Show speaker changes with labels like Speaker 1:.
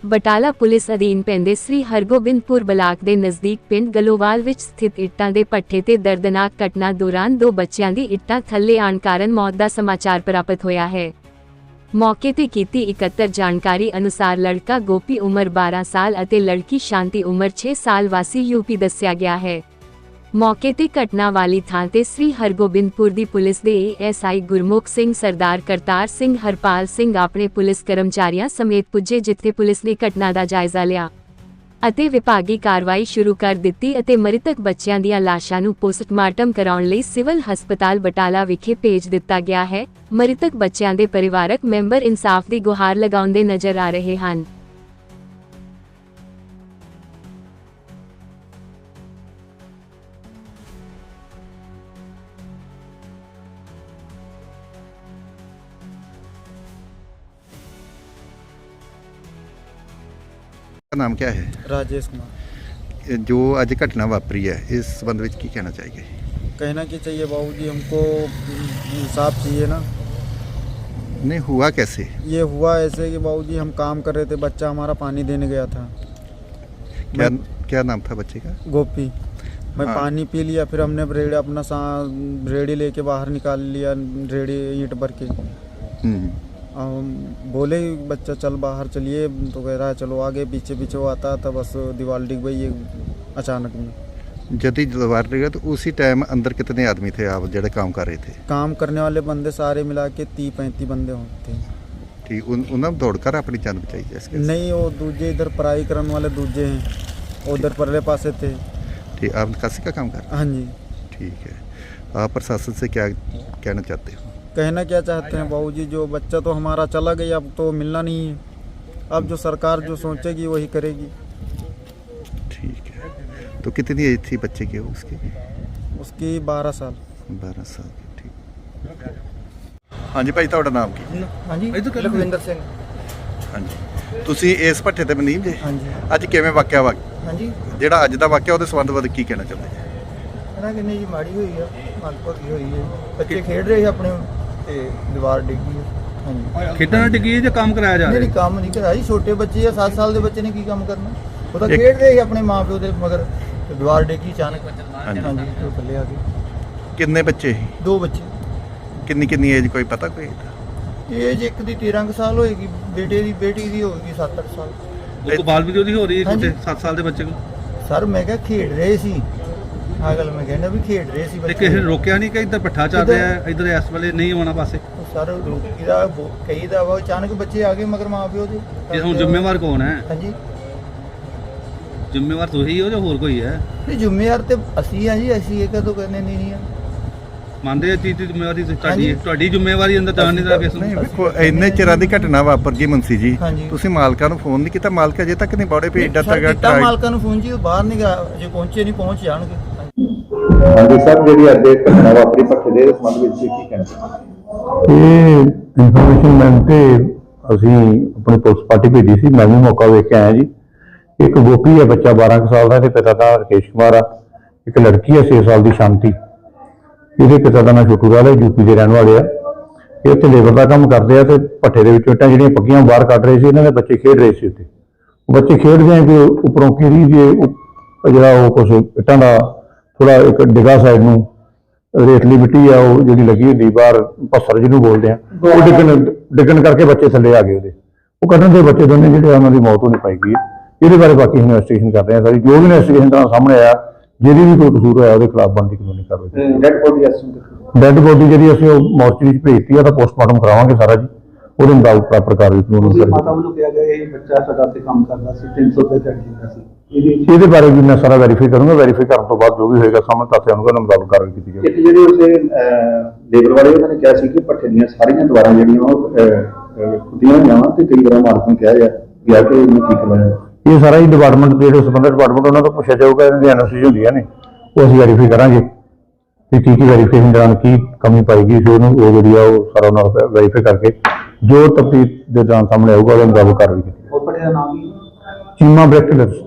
Speaker 1: Batala police ਅਧੀਨ ਪੈਂਦੇ ਸ੍ਰੀ Hargobindpur block ਦੇ ਨਜ਼ਦੀਕ ਪਿੰਡ ਗਲੋਵਾਲ ਵਿੱਚ ਸਥਿਤ ਇੱਟਾਂ ਦੇ ਭੱਠੇ ਤੇ ਦਰਦਨਾਕ ਘਟਨਾ ਦੌਰਾਨ 2 ਬੱਚਿਆਂ ਦੀ ਇੱਟਾਂ ਥੱਲੇ ਆਉਣ ਕਾਰਨ ਮੌਤ ਦਾ ਸਮਾਚਾਰ ਪ੍ਰਾਪਤ ਹੋਇਆ ਹੈ। ਮੌਕੇ ਤੇ ਕੀਤੀ ਇਕੱਤਰ ਜਾਣਕਾਰੀ ਅਨੁਸਾਰ ਲੜਕਾ ਗੋਪੀ ਉਮਰ 12 ਸਾਲ ਅਤੇ ਲੜਕੀ ਸ਼ਾਂਤੀ ਉਮਰ 6 ਸਾਲ ਵਾਸੀ ਯੂਪੀ ਦੱਸਿਆ ਗਿਆ ਹੈ। ਮੌਕੇ ਤੇ ਘਟਨਾ ਵਾਲੀ ਥਾਂ ਤੇ ਸ੍ਰੀ ਹਰਗੋਬਿੰਦਪੁਰ ਦੀ ਪੁਲਿਸ ਦੇ ਏਐਸਆਈ ਗੁਰਮੁਖ ਸਿੰਘ, ਸਰਦਾਰ ਕਰਤਾਰ ਸਿੰਘ, ਹਰਪਾਲ ਸਿੰਘ ਆਪਣੇ ਪੁਲਿਸ ਕਰਮਚਾਰੀਆਂ ਸਮੇਤ ਪੁੱਜੇ, ਜਿੱਥੇ ਪੁਲਿਸ ਨੇ ਘਟਨਾ ਦਾ ਜਾਇਜ਼ਾ ਲਿਆ ਅਤੇ ਵਿਭਾਗੀ ਕਾਰਵਾਈ ਸ਼ੁਰੂ ਕਰ ਦਿੱਤੀ ਅਤੇ ਮ੍ਰਿਤਕ ਬੱਚਿਆਂ ਦੀਆਂ ਲਾਸ਼ਾਂ ਨੂੰ ਪੋਸਟਮਾਰਟਮ ਕਰਾਉਣ ਲਈ ਸਿਵਲ ਹਸਪਤਾਲ ਬਟਾਲਾ ਵਿਖੇ ਭੇਜ ਦਿੱਤਾ ਗਿਆ ਹੈ। ਮ੍ਰਿਤਕ ਬੱਚਿਆਂ ਦੇ ਪਰਿਵਾਰਕ ਮੈਂਬਰ ਇਨਸਾਫ ਦੀ ਗੁਹਾਰ ਲਗਾਉਂਦੇ ਨਜ਼ਰ ਆ ਰਹੇ ਹਨ।
Speaker 2: नाम क्या है?
Speaker 3: राजेश कुमार।
Speaker 2: जो आज घटना वापरी है इस संबंध में की कहना चाहिए?
Speaker 3: कहना कि चाहिए बाबूजी, हमको इंसाफ चाहिए ना।
Speaker 2: नहीं हुआ कैसे?
Speaker 3: ये हुआ ऐसे कि बाबूजी हम काम कर रहे थे, बच्चा हमारा पानी देने गया था।
Speaker 2: क्या नाम था बच्चे का?
Speaker 3: गोपी। मैं पानी पी लिया, फिर हमने रेड़ी अपना रेड़ी लेके बाहर निकाल लिया, रेड़ी ईंट भर के। हम बोले बच्चा चल बाहर चलिए, तो कह रहा है चलो आगे। पीछे पीछे वो आता था, बस दीवार डिग गई अचानक में।
Speaker 2: जब दीवार डिगा तो उसी टाइम अंदर कितने आदमी थे आप जो काम कर रहे थे?
Speaker 3: काम करने वाले बंदे सारे मिला के 30-35 बंदे होते।
Speaker 2: ठीक, उन्होंने दौड़कर अपनी जान बचाई जैसे?
Speaker 3: नहीं, वो दूजे इधर पढ़ाई करने वाले दूजे हैं, उधर परले पासे थे।
Speaker 2: ठीक, आप निकासी का काम कर रहे हैं?
Speaker 3: हाँ जी।
Speaker 2: ठीक है, आप प्रशासन से क्या कहना चाहते हो?
Speaker 3: कहना क्या चाहते हैं बाबूजी, जो बच्चा तो हमारा चला गया, अब तो मिलना नहीं है। अब जो सरकार जो सोचेगी वही करेगी।
Speaker 2: ठीक है, तो कितनी एज थी बच्चे की उसकी?
Speaker 3: उसकी 12 साल।
Speaker 2: 12 साल की। ठीक। हाँ जी भाई, ਤੁਹਾਡਾ ਨਾਮ ਕੀ?
Speaker 3: हाँ जी, लखविंदर सिंह।
Speaker 2: हाँ जी, ਤੁਸੀਂ ਇਸ ਭੱਠੇ ਤੇ ਮਨੀਮ ਜੇ?
Speaker 3: हाँ जी।
Speaker 2: ਅੱਜ ਕਿਵੇਂ ਵਾਕਿਆ ਵਾ?
Speaker 3: हाँ जी।
Speaker 2: ਜਿਹੜਾ ਅੱਜ ਦਾ ਵਾਕਿਆ ਉਹਦੇ ਸੰਬੰਧ ਵਿੱਚ ਕੀ ਕਹਿਣਾ ਚਾਹੁੰਦੇ ਜੀ?
Speaker 3: कहना कि नहीं जी, माड़ी हुई है, मनभगी हुई है। बच्चे खेड रहे अपने ਤੇ ਦੀਵਾਰ ਡਿੱਗੀ ਹੈ। ਹਾਂਜੀ,
Speaker 4: ਖੇਡਾਂ ਨਾਲ ਡਿੱਗੀ ਹੈ ਜਾਂ ਕੰਮ ਕਰਾਇਆ ਜਾ ਰਿਹਾ?
Speaker 3: ਨਹੀਂ, ਕੰਮ ਨਹੀਂ ਕਰਾਇਆ ਜੀ। ਛੋਟੇ ਬੱਚੇ ਆ, 7 ਸਾਲ ਦੇ ਬੱਚੇ ਨੇ ਕੀ ਕੰਮ ਕਰਨਾ। ਉਹ ਤਾਂ ਖੇਡ ਰਹੇ ਸੀ ਆਪਣੇ ਮਾਂ ਪਿਓ ਦੇ ਮਗਰ, ਤੇ ਦੀਵਾਰ ਡਿੱਗੀ ਅਚਾਨਕ। ਹਾਂਜੀ, ਉਹ ਥੱਲੇ ਆ ਗਏ।
Speaker 2: ਕਿੰਨੇ ਬੱਚੇ ਸੀ?
Speaker 3: 2 ਬੱਚੇ।
Speaker 2: ਕਿੰਨੀ ਏਜ ਕੋਈ ਪਤਾ ਕੋਈ?
Speaker 3: ਏਜ ਇੱਕ ਦੀ 13 ਸਾਲ ਹੋਏਗੀ, ਬੇਟੀ ਦੀ ਹੋਏਗੀ 7-8 ਸਾਲ।
Speaker 4: ਉਹ ਬਾਲ ਵੀਡੀਓ ਦੀ ਹੋ ਰਹੀ ਹੈ ਛੋਟੇ 7 ਸਾਲ ਦੇ ਬੱਚੇ ਨੂੰ।
Speaker 3: ਸਰ ਮੈਂ ਕਿਹਾ ਖੇਡ ਰਹੇ ਸੀ, ਆਹ ਗੱਲ ਮੈਂ ਕਹਿੰਦਾ ਵੀ ਖੇਡ ਰਹੇ ਸੀ
Speaker 4: ਤੇ
Speaker 3: ਬੱਚੇ।
Speaker 4: ਕਿਸੇ ਨੇ ਰੋਕਿਆ ਨਹੀਂ ਕਿ ਇੱਧਰ ਪੱਠਾ ਚੱਲ ਰਿਹਾ ਹੈ, ਇੱਧਰ ਇਸ ਵੇਲੇ ਨਹੀਂ ਆਉਣਾ ਪਾਸੇ?
Speaker 3: ਸਰ ਰੋਕੀਦਾ ਕਈ ਦਾ ਵਾ, ਅਚਾਨਕ ਬੱਚੇ ਆ ਗਏ ਮਗਰ ਮਾਂ ਪਿਓ ਦੇ।
Speaker 4: ਇਹ ਹੁਣ ਜ਼ਿੰਮੇਵਾਰ ਕੌਣ ਹੈ?
Speaker 3: ਹਾਂਜੀ,
Speaker 4: ਜ਼ਿੰਮੇਵਾਰ ਤੁਸੀਂ ਹੋ ਜਾਂ ਹੋਰ ਕੋਈ ਹੈ?
Speaker 3: ਨਹੀਂ ਜ਼ਿੰਮੇਵਾਰ ਤੇ ਅਸੀਂ ਆ ਜੀ, ਅਸੀਂ ਇਹ ਕਦੋਂ ਕਰਨੇ ਨਹੀਂ ਆ।
Speaker 4: ਮੰਨਦੇ ਆ ਚੀਜ਼ ਦੀ ਜ਼ਿੰਮੇਵਾਰੀ ਤੁਹਾਡੀ ਹੈ? ਤੁਹਾਡੀ ਜ਼ਿੰਮੇਵਾਰੀ ਅੰਦਰ ਜਾਣ ਨਹੀਂ ਦਾ ਕਿਸ
Speaker 2: ਨਹੀਂ
Speaker 4: ਨੂੰ?
Speaker 2: ਵੇਖੋ, ਇੰਨੇ ਚਿਰਾਂ ਦੀ ਘਟਨਾ ਵਾਪਰ ਗਈ ਮੁੰਸੀ ਜੀ,
Speaker 3: ਹਾਂਜੀ।
Speaker 2: ਤੁਸੀਂ ਮਾਲਕਾਂ ਨੂੰ ਫੋਨ ਨਹੀਂ ਕੀਤਾ? ਮਾਲਕ ਅਜੇ ਤੱਕ ਨਹੀਂ ਬੌੜੇ ਭੇਜਦਾ
Speaker 3: ਕੀਤਾ ਮਾਲਕਾਂ ਨੂੰ ਫੋਨ ਜੀ, ਉਹ ਬਾਹਰ ਨਹੀਂ ਗਿਆ, ਜੇ ਪਹੁੰਚੇ ਨਹੀਂ, ਪਹੁੰਚ ਜਾਣਗੇ।
Speaker 2: ਹਾਂਜੀ ਸਰ, ਜਿਹੜੀ ਅੱਜ ਘਟਨਾ ਵਾਪਰੀ ਭੱਠੇ ਦੇ ਸੰਬੰਧ ਵਿੱਚ ਕੀ ਕਹਿਣਾ ਚਾਹੁੰਦੇ?
Speaker 5: ਇਹ ਇਨਫੋਰਮੇਸ਼ਨ ਮਿਲਣ ਤੇ ਅਸੀਂ ਆਪਣੀ ਪੁਲਿਸ ਪਾਰਟੀ ਭੇਜੀ ਸੀ। ਮੈਂ ਵੀ ਮੌਕਾ ਵੇਖ ਕੇ ਆਇਆ ਜੀ। ਇੱਕ ਗੋਪੀ ਹੈ ਬੱਚਾ 12 ਸਾਲ ਦਾ, ਇਹਦੇ ਪਿਤਾ ਦਾ ਰਕੇਸ਼ ਕੁਮਾਰ ਆ। ਇੱਕ ਲੜਕੀ ਹੈ 6 ਸਾਲ ਦੀ ਸ਼ਾਂਤੀ, ਇਹਦੇ ਪਿਤਾ ਦਾ ਨਾਮ ਛੋਟੂ ਲਾਲ ਹੈ, ਯੂਪੀ ਦੇ ਰਹਿਣ ਵਾਲੇ ਆ। ਇਹ ਉੱਥੇ ਲੇਬਰ ਦਾ ਕੰਮ ਕਰਦੇ ਆ ਤੇ ਭੱਠੇ ਦੇ ਵਿੱਚ ਇੱਟਾਂ ਜਿਹੜੀਆਂ ਪੱਕੀਆਂ ਬਾਹਰ ਕੱਢ ਰਹੇ ਸੀ। ਇਹਨਾਂ ਦੇ ਬੱਚੇ ਖੇਡ ਰਹੇ ਸੀ ਉੱਥੇ। ਉਹ ਬੱਚੇ ਖੇਡਦੇ ਆ ਕਿ ਉੱਪਰੋਂ ਕਿਰੀ ਜੇ ਜਿਹੜਾ ਉਹ ਕੁਛ ਇੱਟਾਂ ਦਾ ਥੋੜਾ ਇੱਕ ਡਿੱਗਾ ਸਾਈਡ ਨੂੰ ਰੇਤਲੀ ਮਿੱਟੀ ਆ ਉਹ ਜਿਹੜੀ ਲੱਗੀ ਹੁੰਦੀ ਬਾਹਰ, ਪੱਥਰ ਜਿਹਨੂੰ ਬੋਲਦੇ ਆ, ਉਹ ਡਿੱਗਣ ਕਰਕੇ ਬੱਚੇ ਥੱਲੇ ਆ ਗਏ ਉਹਦੇ। ਉਹ ਕੱਢਣ ਦੇ ਬੱਚੇ ਦੋਨੇ ਜਿਹੜੇ ਉਹਨਾਂ ਦੀ ਮੌਤ ਹੋਣੀ ਪਾਈ ਗਈ ਹੈ। ਇਹਦੇ ਬਾਰੇ ਬਾਕੀ ਇਨਵੈਸਟੀਗੇਸ਼ਨ ਕਰ ਰਹੇ ਆ ਸਾਰੀ। ਜੋ ਵੀ ਇਨਵੈਸਟੀਗੇਸ਼ਨ ਦਾ ਸਾਹਮਣੇ ਆਇਆ, ਜਿਹਦੀ ਵੀ ਕੋਈ ਕਸੂਰ ਹੋਇਆ ਉਹਦੇ ਖਿਲਾਫ ਬਣਦੀ ਕਾਨੂੰਨੀ ਕਾਰਵਾਈ। ਡੈਡ ਬੋਡੀ ਜਿਹੜੀ ਅਸੀਂ ਉਹ ਮੋਰਚਰੀ ਵਿੱਚ ਭੇਜਤੀ ਆ, ਤਾਂ ਪੋਸਟਮਾਰਟਮ ਕਰਾਵਾਂਗੇ ਸਾਰਾ ਜੀ। ਉਹਦੇ ਮੁਤਾਬਕ ਪ੍ਰਾਪਰ ਕਾਰਵਾਈ ਕਾਨੂੰਨੀ ਕਰਾਂਗੇ।
Speaker 6: ਮਾਤਾ ਵੱਲੋਂ ਕਿਹਾ ਗਿਆ ਇਹ ਬੱਚਾ ਸਾਡਾ ਤੇ ਕੰਮ ਕਰਦਾ ਸੀ, 300 ਰੁਪਏ ਦਿੰਦਾ ਸੀ।
Speaker 5: ਇਹਦੇ ਬਾਰੇ ਵੀ ਮੈਂ ਸਾਰਾ ਵੈਰੀਫਾਈ ਕਰੂੰਗਾ। ਵੈਰੀਫਾਈ ਕਰਨ ਤੋਂ ਬਾਅਦ ਜੋ ਵੀ ਹੋਏਗਾ ਸਾਹਮਣੇ ਤੱਥ ਆਉਣਗੇ, ਉਹਨਾਂ ਮੁਤਾਬਕ ਕਾਰਵਾਈ ਕੀਤੀ ਜਾਵੇਗੀ।
Speaker 6: ਇੱਕ ਜਿਹੜੇ ਉਸੇ ਲੇਬਰ ਵਾਲੇ ਉਹਨਾਂ ਨੇ ਕਿਹਾ ਸੀ ਕਿ ਭੱਠੇ ਦੀਆਂ ਸਾਰੀਆਂ ਦੀਵਾਰਾਂ ਜਿਹੜੀਆਂ ਉਹ ਖੁੱਦੀਆਂ ਹੋਈਆਂ ਵਾ, ਤੇ ਕਈ ਵਾਰ ਮਾਲਕ ਨੂੰ ਕਿਹਾ ਗਿਆ ਕਿ ਇਹਨੂੰ ਕੀ ਕਰਵਾਇਆ।
Speaker 5: ਇਹ ਸਾਰਾ ਹੀ ਡਿਪਾਰਟਮੈਂਟ ਜਿਹੜੇ ਸੰਬੰਧਿਤ ਡਿਪਾਰਟਮੈਂਟ ਉਹਨਾਂ ਤੋਂ ਪੁੱਛਿਆ ਜਾਊਗਾ। ਇਹਨਾਂ ਦੀ ਐਨਓਸੀ ਹੁੰਦੀਆਂ ਨੇ, ਉਹ ਅਸੀਂ ਵੈਰੀਫਾਈ ਕਰਾਂਗੇ ਕਿ ਕੀ ਵੈਰੀਫਿਕੇਸ਼ਨ ਦੌਰਾਨ ਕੀ ਕਮੀ ਪਾਏਗੀ। ਫਿਰ ਉਹਨੂੰ ਉਹ ਜਿਹੜੀ ਆ ਉਹ ਸਾਰਾ ਉਹਨਾਂ ਨੂੰ ਵੈਰੀਫਾਈ ਕਰਕੇ ਜੋ ਤਫਤੀਸ਼ ਦੇ ਦੌਰਾਨ ਸਾਹਮਣੇ ਆਊਗਾ ਉਹਦੇ ਮੁਤਾਬਕ ਕਾਰਵਾਈ ਕੀਤੀ।
Speaker 6: ਉਹ ਭੱਠੇ ਦਾ ਨਾਮ ਕੀ?
Speaker 5: ਚੀਮਾ ਬ੍ਰੈਕਟਲਰਸ।